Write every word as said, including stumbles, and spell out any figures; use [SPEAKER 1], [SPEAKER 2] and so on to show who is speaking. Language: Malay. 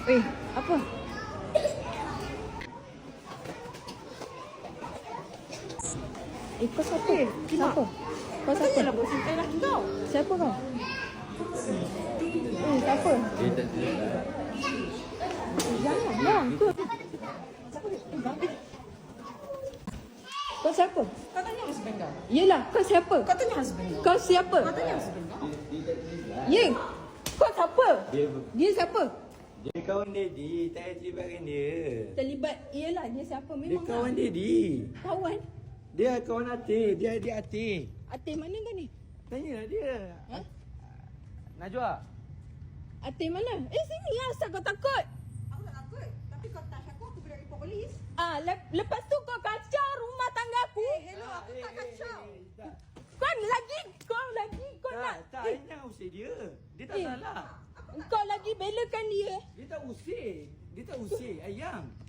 [SPEAKER 1] Eh, apa? Eh, kau siapa?
[SPEAKER 2] Eh, Kimak.
[SPEAKER 1] Siapa? Kau siapa?
[SPEAKER 2] Janganlah buat santai lagi kau.
[SPEAKER 1] Siapa kau? Eh, siapa?
[SPEAKER 3] Dia tak dia.
[SPEAKER 1] Eh, jangan lah. Kau, kau siapa?
[SPEAKER 2] Kau tanya husband kau.
[SPEAKER 1] Yelah, kau siapa?
[SPEAKER 2] Kau tanya husband kau.
[SPEAKER 1] Kau siapa?
[SPEAKER 2] Kau tanya husband kau.
[SPEAKER 1] Ye, kau siapa?
[SPEAKER 3] Dia
[SPEAKER 1] Dia siapa?
[SPEAKER 3] dia kawan Daddy, tak payah terlibatkan dia.
[SPEAKER 1] Terlibat, yelah dia siapa?
[SPEAKER 3] Dia
[SPEAKER 1] Memang
[SPEAKER 3] kawan
[SPEAKER 1] lah.
[SPEAKER 3] Daddy.
[SPEAKER 1] Kawan?
[SPEAKER 3] Dia kawan Atik, dia adik Atik.
[SPEAKER 1] Atin mana kau ni?
[SPEAKER 3] Tanyalah dia.
[SPEAKER 1] Ha?
[SPEAKER 3] Najwa.
[SPEAKER 1] Atin mana? Eh, sini lah, asal kau takut.
[SPEAKER 2] Aku tak takut. Tapi kau touch aku, aku boleh report polis.
[SPEAKER 1] Ah, le- lepas tu kau kacau rumah tangga aku.
[SPEAKER 2] Eh, hello, aku tak kacau.
[SPEAKER 3] Tak,
[SPEAKER 1] Kau lagi, kau lagi, kau
[SPEAKER 3] tak,
[SPEAKER 1] nak.
[SPEAKER 3] tak,
[SPEAKER 1] Eh,
[SPEAKER 3] Ain jangan usir dia. Dia tak
[SPEAKER 1] Eh.
[SPEAKER 3] salah.
[SPEAKER 1] kau lagi belakan dia.
[SPEAKER 3] Dia tak usir. Dia tak usir, ayang.